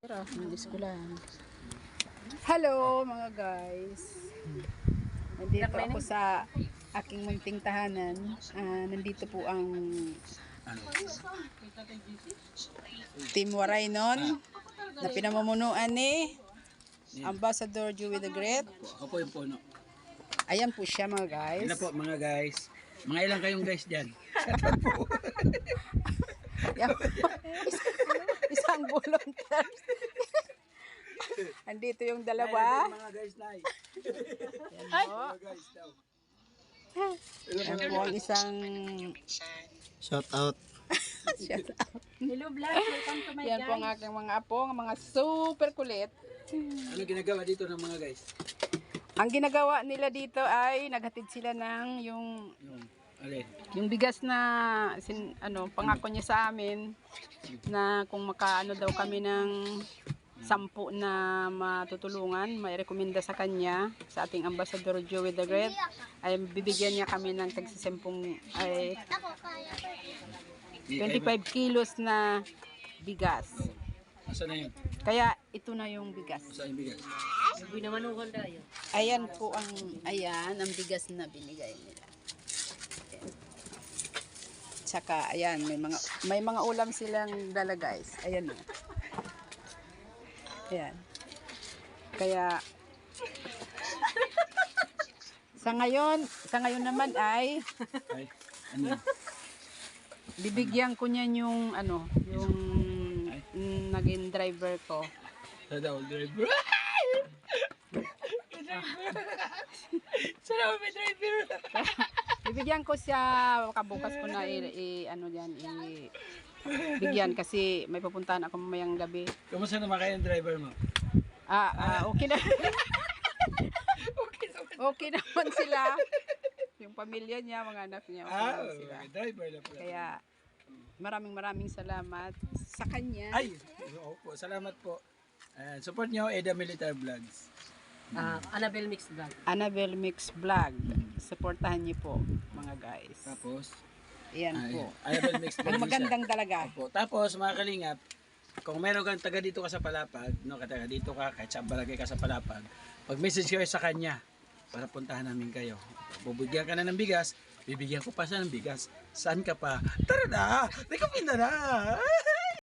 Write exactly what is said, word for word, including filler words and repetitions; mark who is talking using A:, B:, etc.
A: Ng eskwelahan. Hello mga guys. Nandito ako sa aking munting tahanan. Ah, nandito po ang Team Waray nun na pinamumunuan ni Ambassador Joey the Great.
B: Ako po yung puno.
A: Ayan po siya mga guys.
B: Ilan po mga guys? Mga ilang kayong guys dyan?
A: Yan po. Isang volunteer. Andito yung dalawa.
B: Mga guys na.
A: Yan po.
B: Mga guys daw.
A: Yan po ang isang
C: Shout out.
A: shout out.
D: Hello vlog, welcome to my
A: Yan po ang
D: guys.
A: aking mga apo, ang mga super kulit.
B: Ano ginagawa dito ng mga guys?
A: Ang ginagawa nila dito ay naghatid sila ng yung
B: Yung, alin?
A: yung bigas na sin, ano, pangako niya sa amin na kung makaano daw kami ng sampu na matutulungan, may rekomenda sa kanya, sa ating Ambassador Joey the Great, ay bibigyan niya kami ng tagsisimpung ay twenty-five kilos na bigas.
B: Asan na yun?
A: Kaya ito na yung bigas.
B: Saan yung bigas?
D: Sabi naman uwan tayo.
A: Ayan po ang, ayan, ang bigas na binigay nila. Ayan. Tsaka, ayan, may mga, may mga ulam silang dala guys. Ayan o. Ayan. Kaya, sa ngayon, sa ngayon naman ay,
B: Ay, ano yun?
A: bibigyan ko niyan yung, ano, yung mm, naging driver ko.
B: Sa daw, driver. Sana ako may driver.
A: Bibigyan ko siya, kabukas ko na i, i- ano diyan, i bigyan kasi may pupuntahan ako mamayang gabi.
B: Kamusta naman kayo yung driver mo?
A: Ah, ah okay na.
B: Okay naman.
A: Okay naman sila. Yung pamilya niya, mga anak niya, okay
B: Ah,
A: naman sila.
B: may driver na pala.
A: Kaya maraming maraming salamat sa kanya.
B: Ay, oo po. Salamat po. Uh, support nyo, Eda Military Vlogs.
D: Ah, Annabelle Mix vlog.
A: Annabelle Mix Vlog. Supportahan niyo po, mga guys.
B: Tapos,
A: Ayan
B: ay,
A: po.
B: Annabelle Mix Vlogs.
A: Ang magandang talaga.
B: Po. Tapos, mga kalingap, kung meron kang taga dito ka sa Palapag, no, taga dito ka, kahit sa balagay ka sa Palapag, pag-message kayo sa kanya para puntahan namin kayo. Bubigyan ka na ng bigas, bibigyan ko pa siya ng bigas. Saan ka pa? Tara na! Recommend na na!